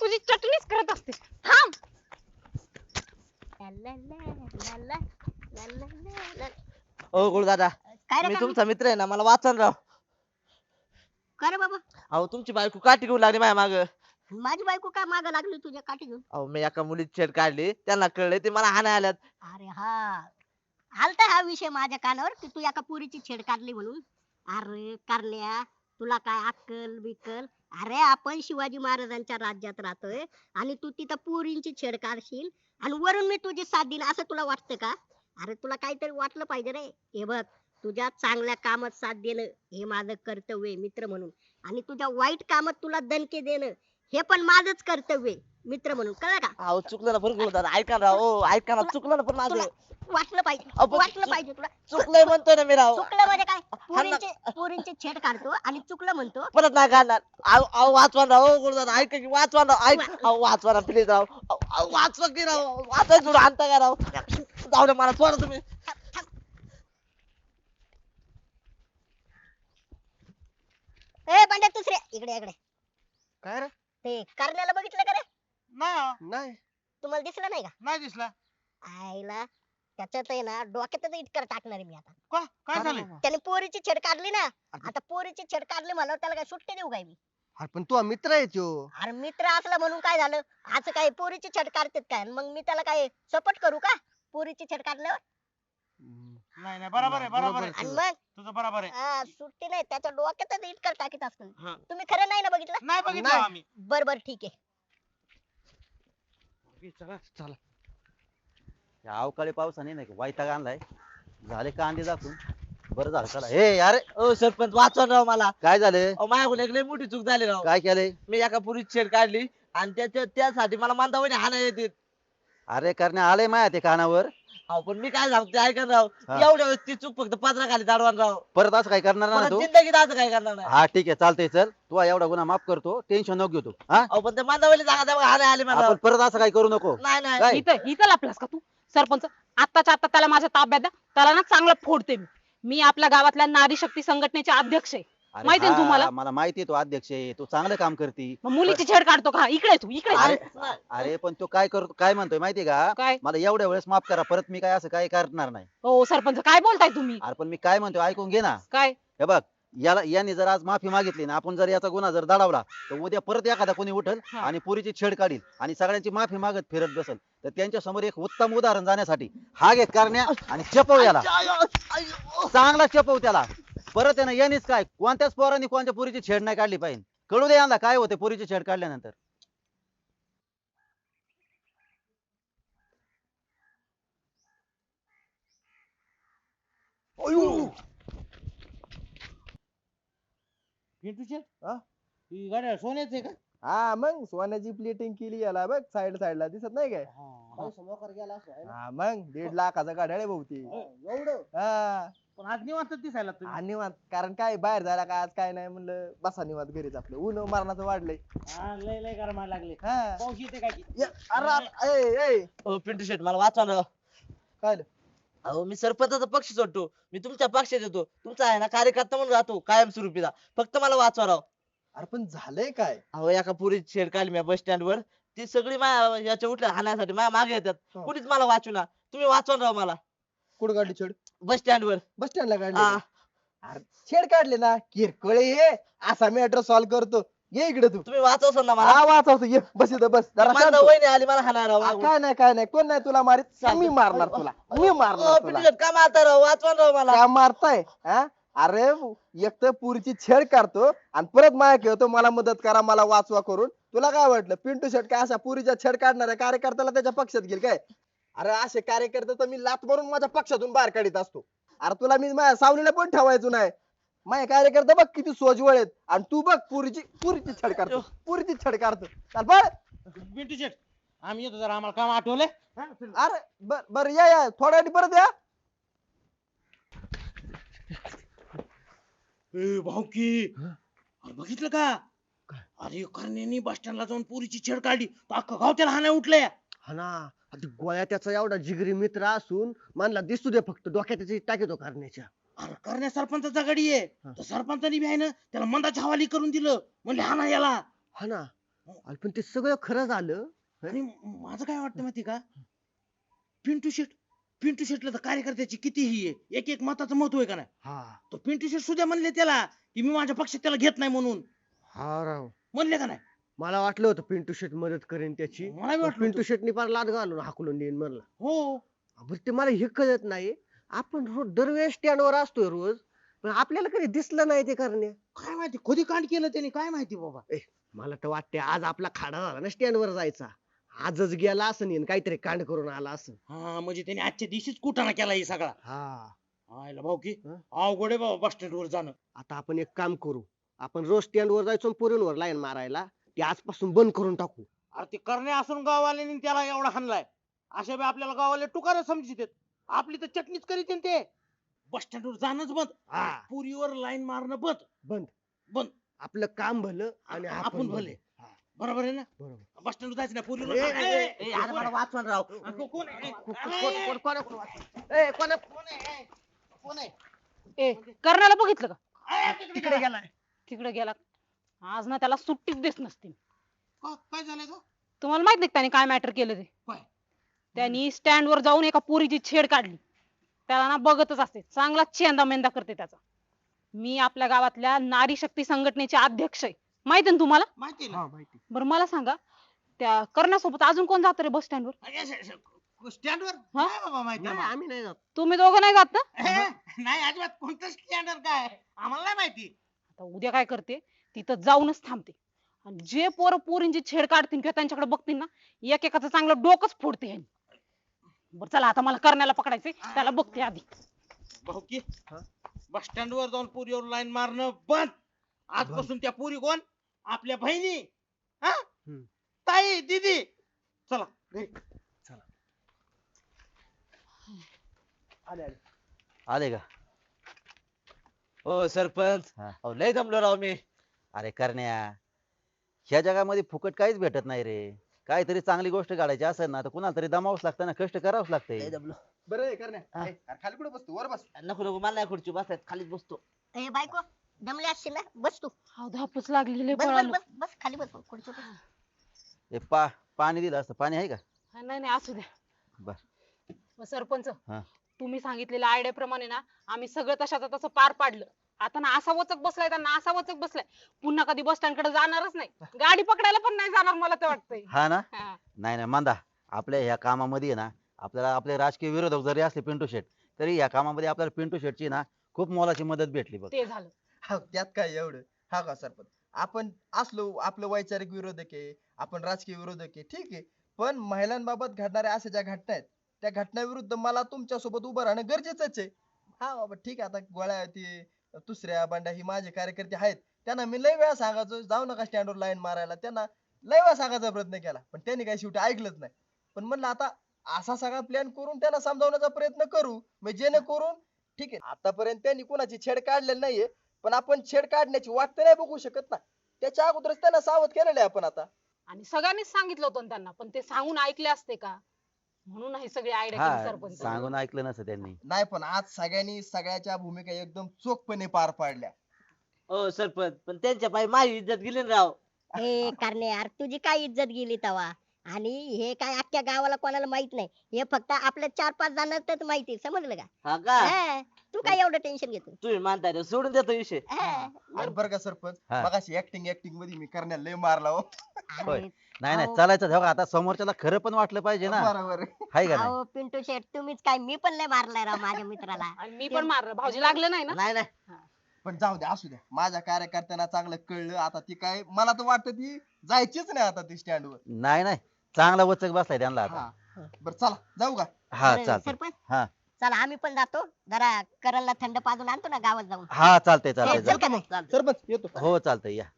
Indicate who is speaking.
Speaker 1: तुझी चटणीच करत असते. थांब.
Speaker 2: ओ गुरुदादा,
Speaker 3: काय रे
Speaker 2: मी
Speaker 3: काय
Speaker 2: तुमचा मित्र आहे ना, मला वाचन राव.
Speaker 3: काय रे बाबा
Speaker 2: अहो तुमची बायको काठी घेऊन लागली माझ्या माग.
Speaker 3: माझी बायको काय माग लागली तुझ्या काठी घेऊन?
Speaker 2: अहो मी एका मुलीची छेड काढली, त्यांना कळले ते मला हाणाय आल्यात.
Speaker 3: अरे हा आलता हा विषय माझ्या कानावर की तू एका पुरीची छेड काढली म्हणून. अरे कारण्या, तुला काय अक्कल बिक्कल? अरे आपण शिवाजी महाराजांच्या राज्यात राहतोय आणि तू तिथं पुरींची छेड काढशील आणि वरून मी तुझी साथ देईन असं तुला वाटतं का? अरे तुला काहीतरी वाटलं पाहिजे रे. हे बघ, तुझ्या चांगल्या कामात साथ देणं हे माझं कर्तव्य आहे मित्र म्हणून, आणि तुझ्या वाईट कामात तुला दणके देणं हे पण माझंच कर्तव्य आहे मित्र म्हणून, कळलं का?
Speaker 2: अहो चुकलं ना बरं गुरुदादा, ऐका ना राव. ओ ऐका ना, चुकलं ना पण
Speaker 3: तुला
Speaker 2: माझं.
Speaker 3: वाटलं पाहिजे,
Speaker 2: अहो, पण
Speaker 3: वाटलं पाहिजे तुला.
Speaker 2: चुकलंय म्हणतोय ना मी राव.
Speaker 3: चुकलं म्हणजे काय?
Speaker 2: हा ना.
Speaker 3: पोरींची छेड काढतो आणि चुकलं म्हणतो.
Speaker 2: परत नाही काढणार. अहो वाचवा ना राव. गुरुदादा ऐका की, वाचवा ना. अहो वाचवा ना प्लीज राव. अहो वाचवा की राव. वाचायचं सोडून आणता का राव? जाऊ दे, मला सोडा तुम्ही.
Speaker 3: ए बंड्या दुसरे इकडे इकडे.
Speaker 4: काय रे?
Speaker 3: ते करण्याला बघितलं का रे?
Speaker 4: नाही
Speaker 3: तुम्हाला दिसलं नाही का?
Speaker 4: नाही दिसला.
Speaker 3: आईला त्याच्यात आहे ना डोक्यातच इटकर टाकणार आहे मी आता.
Speaker 4: का काय झालं?
Speaker 3: त्याने पोरीची छेड काढली ना, आता पोरीची छेड काढली म्हणलं त्याला काय सुट्टी देऊ काय मी?
Speaker 4: अरे पण तू मित्र आहे त्यो.
Speaker 3: अरे मित्र असला म्हणून काय झालं? आज काय पोरीची छेड काढतात काय? मग मी त्याला काय सपोर्ट करू का पोरीची छेड काढल्यावर?
Speaker 4: नाही नाही बरोबर आहे बरोबर आहे
Speaker 3: आणि मग
Speaker 4: तुझं बरोबर आहे.
Speaker 3: सुट्टी नाही, त्याच्या डोक्यातच इटकर टाकीत असतो.
Speaker 2: हा.
Speaker 3: तुम्ही खरं नाही ना बघितलं?
Speaker 4: नाही बघितलं
Speaker 2: नाही.
Speaker 4: आम्ही.
Speaker 3: बर बर ठीक आहे.
Speaker 2: चला.
Speaker 5: या अवकाळी पावसाने नाही का वैताग आणलाय. झाले कांदे दाखवून. बरं झालं चला. हे अरे
Speaker 2: ओ सरपंच वाचवा ना राव मला.
Speaker 5: काय झाले?
Speaker 2: अहो माझ्याकडून एक लय मोठी चूक झाली राव.
Speaker 5: काय केलंय?
Speaker 2: मी एका पुरीची छेड काढली आणि त्यासाठी मला मांदावणी हाणाय येते.
Speaker 5: अरे करणे आलंय माया ते कानावर.
Speaker 2: अहो पण मी काय सांगतो ऐका ना राव.
Speaker 5: हा.
Speaker 2: एवढ्या वेळेस ती चूक फक्त पदरा खाली दाडवान राव.
Speaker 5: परत असं काय करणार ना
Speaker 2: परत
Speaker 5: तू?
Speaker 2: जिंदगीत असं काय करणार नाही.
Speaker 5: हा ठीक आहे चालतंय चल. तू एवढा गुन्हा माफ करतो. टेन्शन नको घेऊ तू. हा
Speaker 2: अहो पण ते मांदावली जागा त्या हाणाय आली मला राव.
Speaker 5: आपण परत असं काय करू नको.
Speaker 2: नाही नाही.
Speaker 5: काय?
Speaker 1: इथं लपलास का तू? सरपंच, आत्ताच्या आता त्याला माझ्या ताब्यात द्या. त्याला ना चांगलं फोडते मी. मी आपल्या गावातल्या नारी शक्ती संघटनेचे अध्यक्ष आहे.
Speaker 5: अरे
Speaker 1: माहिती आहे ना तुम्हाला?
Speaker 5: मला माहिती आहे तू अध्यक्ष आहे. तू चांगलं काम करती.
Speaker 1: मग मुलीची छेड काढतो का? इकडे तू इकडे.
Speaker 5: अरे अरे पण तू काय करतो काय म्हणतोय माहितीये का?
Speaker 1: काय?
Speaker 5: मला एवढ्या वेळेस माफ करा. परत मी काय असं काय करणार नाही.
Speaker 1: हो सरपंच, काय बोलताय तुम्ही?
Speaker 5: अरे पण मी काय म्हणतोय ऐकून घे ना.
Speaker 1: काय?
Speaker 5: हे बघ, याने जर आज माफी मागितली ना, आपण जर याचा गुन्हा जर दडावला तर उद्या परत एखादा कोणी उठल
Speaker 1: हा.
Speaker 5: आणि पुरीची छेड काढील आणि सगळ्यांची माफी मागत फिरत बसल. तर त्यांच्या समोर एक उत्तम उदाहरण जाण्यासाठी हा घे करण्या आणि चपव याला. चांगला चपव त्याला. परत आहे ना यानेच काय कोणत्याच पोरांनी कोणत्या पुरीची छेड नाही काढली पाहिजे. कळू दे यांना काय होते पुरीची छेड काढल्यानंतर.
Speaker 4: पिंटूचे
Speaker 6: हा?
Speaker 4: ही गाड्या सोन्याच आहे का?
Speaker 6: हा मग सोन्याची प्लेटिंग केली याला बघ साईडला दिसत नाही काय?
Speaker 4: मोकर गेला असं आहे ना?
Speaker 6: हा मग 1.5 लाखाचा गाड्या बहुती.
Speaker 4: एवढं
Speaker 6: हा
Speaker 4: पण आज निवांत दिसायला तुम्ही.
Speaker 6: आणि निवांत कारण काय बाहेर जायला काय आज काय नाही म्हणलं बसा निवांत घरीच आपलं ऊन मरणाचं वाढलंय.
Speaker 4: हा, लय लय गरमायला लागले.
Speaker 6: हा
Speaker 4: पाऊस येते काय की?
Speaker 6: अरे ए
Speaker 2: अहो पिंटू शेट मला वाचवा ना राव.
Speaker 6: काय झालं?
Speaker 2: अहो मी सरपंचाचा पक्ष सोडतो. मी तुमच्या पक्षात येतो. तुमचा आहे ना कार्यकर्ता म्हणून राहतो कायमस्वरूपीचा. फक्त मला वाचवा राव.
Speaker 6: अरे पण झालंय काय?
Speaker 2: अहो एका पुरीची छेड काढली मी बस स्टँड वर. ती सगळी माझ्या याच्या उठल्या हाणायसाठी माझ्या मागे येतात.
Speaker 6: हो.
Speaker 2: कुणीच मला वाचूना. तुम्ही वाचवा ना राव मला.
Speaker 6: कुठं काढली छेड?
Speaker 2: बस स्टँड वर.
Speaker 6: बस स्टँडला काढली
Speaker 2: हा.
Speaker 6: का? अरे छेड काढले ना किरकोळ ये असा मॅटर सॉल्व्ह करतो. ये इकडे तू.
Speaker 2: तुम्ही वाचवसान ना मला.
Speaker 6: हा वाचवतो ये बस इथं बस जरा शांत
Speaker 2: माझा
Speaker 6: हो.
Speaker 2: वहिनी आली मला हाणायला राव.
Speaker 6: काय नाही कोण नाही तुला मारित मी मारणार तुला मी मारणार
Speaker 2: अहो,
Speaker 6: तुला.
Speaker 2: पिंटू शेट का मारता राव? वाचवा ना राव मला.
Speaker 6: का मारताय हा? अरे एक तर पुरीची छेड काढतो आणि परत माया खेळतो मला मदत करा मला वाचवा करून. तुला काय वाटलं पिंटू शेट काय अशा पुरीच्या छेड काढणाऱ्या कार्यकर्त्याला त्याच्या पक्षात घेईल काय? अरे असे कार्यकर्ते तर मी लात मारून माझ्या पक्षातून बाहेर काढीत असतो. अरे तुला मी माझ्या सावलीला पण ठेवायचो नाही. माझे कार्यकर्ते बघ किती सोजवळ आहेत आणि तू बघ पुरीची छेड काढतो पुरीची छेड काढतो. चल बळ.
Speaker 4: पिंटू शेट आम्ही येतो जरा आम्हाला काम आठवले.
Speaker 6: अरे बर या थोड्या वेळाने परत या.
Speaker 4: भाऊकी बघितलं का? अरे करण्यानी बस स्टँडला जाऊन पुरीची छेड काढली तर अख्खं गाव त्याला हाणाय उठलंय.
Speaker 7: हा ना आता गोळ्या त्याचा एवढा जिगरी मित्र असून म्हणला दिसू दे फक्त डोक्यात त्याची टाकीतो करण्याच्या.
Speaker 4: अरे करण्या सरपंचाचा गाडी आहे तर सरपंचानी बी आहे ना त्याला मंदाच्या हवाली करून दिलं म्हणले हाना याला.
Speaker 7: हा ना अरे पण ते सगळं खरं झालं.
Speaker 4: आणि माझं काय वाटतं माहिती का, पिंटू शेटला तर कार्यकर्त्याची किती ही आहे, एक एक मताचं महत्व आहे का नाही.
Speaker 7: हा
Speaker 4: तो पिंटू शेट सुद्धा म्हणले त्याला की मी माझ्या पक्षात त्याला घेत नाही म्हणून,
Speaker 7: हा राव,
Speaker 4: म्हणले का नाही.
Speaker 7: मला वाटलं होतं पिंटू शेट मदत करेन त्याची.
Speaker 4: मला बी वाटलं
Speaker 7: पिंटू
Speaker 4: होतं.
Speaker 7: शेटनी फार लाद घालून हाकलून देईन म्हणलं.
Speaker 4: हो
Speaker 7: बरं ते मला हे कळत नाही, आपण रोज दरवेळेस स्टँडवर असतोय रोज, पण आपल्याला कधी दिसलं नाही ते करणे.
Speaker 4: काय माहिती कधी कांड केलं त्यांनी, काय माहिती बाबा.
Speaker 7: मला तर वाटते आज आपला खाडा झाला ना स्टँडवर जायचा, आजच गेला असं नाही काहीतरी कांड करून आला असं.
Speaker 4: हा म्हणजे त्यांनी आजच्या दिवशीच कुटाणा केला हे सगळा.
Speaker 7: हा
Speaker 4: आयला भाऊ की
Speaker 7: हं?
Speaker 4: अवघड आहे बाबा बस स्टँड वर जाणं.
Speaker 7: आता आपण एक काम करू, आपण रोज स्टँडवर जायचो पुरींवर लाईन मारायला, ते आजपासून बंद करून टाकू.
Speaker 4: अरे ते करणे असून गाववाल्यांनी त्याला एवढा हाणलाय, अशा वेळी आपल्याला गाववाले टुकार समजित आपली तर चटणीच करीत ते. बस स्टँड वर जाणंच बंद,
Speaker 7: हा
Speaker 4: पुरीवर लाईन मारणं बंद.
Speaker 7: बंद
Speaker 4: बंद.
Speaker 7: आपलं काम भलं आणि
Speaker 4: आपण भले.
Speaker 7: हा,
Speaker 4: बरोबर आहे ना.
Speaker 7: बरोबर.
Speaker 4: बस स्टँड वर जायचं ना पुरीवर.
Speaker 7: ए, ए, ए,
Speaker 2: ए, अरे मला वाचवा ना राव.
Speaker 4: कोण आहे?
Speaker 7: कोण आहे?
Speaker 1: ए कर्णाला बघितलं का,
Speaker 7: तिकडे गेलाय.
Speaker 1: तिकडे गेला. आज ना त्याला सुट्टीच देत नसते.
Speaker 4: काय झालंय का?
Speaker 1: तुम्हाला माहित नाही का त्याने काय मॅटर केलं ते.
Speaker 4: काय?
Speaker 1: त्यांनी स्टँड वर जाऊन एका पोरीची छेड काढली. त्याला ना बघतच असते, चांगला चेंदा मेंदा करते त्याचा. मी आपल्या गावातल्या नारी शक्ती संघटनेचे अध्यक्ष आहे, माहिती ना तुम्हाला.
Speaker 4: माहिती ना.
Speaker 7: हा माहिती.
Speaker 1: बरं मला सांगा, त्या कर्णासोबत अजून कोण जात रे बस स्टँड वर.
Speaker 4: स्टँड वर
Speaker 1: हा?
Speaker 4: नाही बाबा माहिती
Speaker 7: नाही,
Speaker 4: आम्हाला.
Speaker 7: आम्ही नाही जात.
Speaker 1: तुम्ही दोघं नाही जात ना.
Speaker 4: नाही अजिबात कोणतं स्टँड वर काय आम्हाला नाही माहिती.
Speaker 1: आता उद्या काय करते, तिथं जाऊनच थांबते. आणि जे पोरं पोरींची छेड काढतील किंवा त्यांच्याकडे बघतील ना, एकेकाचं चांगलं डोकंच फोडते ह्यांनी. बरं चला आता मला करण्याला पकडायचंय, त्याला बघते आधी.
Speaker 4: भाऊ की बस स्टँड वर जाऊन पुरीवर लाईन मारणं बंद. आजपासून त्या पुरी कोण, आपल्या बहिणी, हा ताई दीदी. चला घरी.
Speaker 7: आले आले.
Speaker 5: आले का?
Speaker 2: हो सरपंच,
Speaker 5: हा.
Speaker 2: अहो, लय जमलो राव मी.
Speaker 5: अरे करण्या, ह्या जगामध्ये फुकट काहीच भेटत नाही रे. काहीतरी चांगली गोष्ट काढायची असेल ना तर कुणाला तरी दमावंच लागतं ना, कष्ट करावंच
Speaker 2: लय
Speaker 5: लागतंय.
Speaker 2: जमलो.
Speaker 6: बरं आहे करण्या.
Speaker 2: हा.
Speaker 6: ए, अरे खाली कुठे बसतो, वर बस.
Speaker 2: नको नको मला नाही खुर्ची बसायत, खालीच बसतो.
Speaker 3: ए बायको, दमले असशील ना, बस तू.
Speaker 1: हाव, धापच लागलेली
Speaker 3: बस बस
Speaker 1: पळालो.
Speaker 3: बस बस खाली बस खुर्ची बस.
Speaker 5: हे पाणी दिलं असतं, पाणी आहे का?
Speaker 1: हा, नाही नाही असू द्या.
Speaker 5: बर.
Speaker 1: मग सरपंच,
Speaker 5: हा.
Speaker 1: तुम्ही सांगितलेल्या आयडिया प्रमाणे ना आम्ही सगळं तशाचं तसं पार पाडलं. आता ना असा वचक बसलाय, त्यांना असा वचक बसलाय, पुन्हा कधी बस स्टँड कडे जाणारच नाही, गाडी पकडायला पण नाही जाणार मला तर वाटतंय.
Speaker 5: हा ना.
Speaker 1: हा.
Speaker 5: नाही नाही मंदा, आपल्या ह्या कामामध्ये आहे ना, आपल्याला आपले राजकीय विरोधक जरी असले पिंटू शेट, तरी या कामामध्ये आपल्याला पिंटू शेटची ना खूप मोलाची मदत भेटली बघ.
Speaker 1: ते झालं.
Speaker 6: हा, त्यात काय एवढं. हा का सरपंच, आपण असलो आपलं वैचारिक विरोधक आहे, आपण राजकीय विरोधक आहे, ठीक आहे, पण महिलांबाबत घडणाऱ्या अशा ज्या घटना आहेत त्या घटनाविरुद्ध मला तुमच्या सोबत उभं राहणं गरजेचंच आहे. हा बाबा ठीक आहे, आता गोळ्या ते दुसऱ्या बंड्या ही माझे कार्यकर्ते आहेत, त्यांना मी लय वेळा सांगायचो जाऊ नका स्टँडवर लाईन मारायला, त्यांना लय वेळा सांगायचा प्रयत्न केला, पण त्यांनी काही शेवटी ऐकलंच नाही. पण म्हणलं आता असा सगळा प्लॅन करून त्यांना समजावण्याचा प्रयत्न करू, म्हणजे जेणेकरून ठीक आहे आतापर्यंत त्यांनी कोणाची छेड काढलेली नाहीये, पण आपण छेड काढण्याची वाट तर नाही बघू शकत ना, त्याच्या अगोदरच त्यांना सावध केलेलं आहे आपण आता.
Speaker 1: आणि सगळ्यांनीच सांगितलं होतं ना त्यांना, पण ते सांगून ऐकले असते का? म्हणून ही सगळी आयडिया केली
Speaker 5: हा,
Speaker 1: सरपंच.
Speaker 5: सांगून ऐकलं नसतं त्यांनी.
Speaker 6: नाही पण आज सगळ्यांनी सगळ्याच्या भूमिका एकदम चोखपणे पार पाडल्या.
Speaker 2: हो सरपंच, पण त्यांच्या पायी माझी इज्जत गेली ना राव.
Speaker 3: ए करणे यार, तुझी काय इज्जत गेली तवा? आणि हे काय अख्ख्या गावाला कोणाला माहित नाही, हे फक्त आपल्या 4-5 जणांनाच माहिती, समजलं का?
Speaker 2: हा का?
Speaker 3: हा, तू काय एवढं टेन्शन घेतो?
Speaker 2: तुम्ही मानताय रे, सोडून देतो विषय.
Speaker 3: हा.
Speaker 6: आणि बरं का सरपंच,
Speaker 5: हा.
Speaker 6: मगाशी ऍक्टिंग मध्ये मी करण्याला लय मारला हो.
Speaker 5: होय.
Speaker 3: अरे,
Speaker 5: नाही नाही
Speaker 3: अहो.
Speaker 5: चालायचं तेव्हा, आता समोरच्याला खरं पण वाटलं पाहिजे ना,
Speaker 6: बरोबर आहे.
Speaker 5: हाय का नाही?
Speaker 3: अहो पिंटू शेट, तुम्हीच काय, मी पण लय मारलाय राव माझ्या मित्राला.
Speaker 1: आणि मी पण मारलं, भाऊजी लागलं नाही ना.
Speaker 2: नाही नाही,
Speaker 6: पण जाऊ द्या, असू द्या, माझ्या कार्यकर्त्यांना चांगलं कळलं आता, ती काय मला तर वाटतं ती जायचीच नाही आता ती स्टँडवर.
Speaker 5: नाही नाही, चांगला वचक बसलाय त्यांना आता.
Speaker 6: हा, बरं चला जाऊ का?
Speaker 5: हा
Speaker 3: बरं,
Speaker 5: चालतंय.
Speaker 3: सरपंच
Speaker 5: हा
Speaker 3: चला आम्ही पण जातो, जरा करलला थंड पाजून आणतो ना गावात जाऊन.
Speaker 5: हा चालतंय
Speaker 3: चल
Speaker 5: चालतंय.
Speaker 3: का नाही?
Speaker 2: चालतंय.
Speaker 6: सरपंच येतो.
Speaker 5: हो चालतंय या.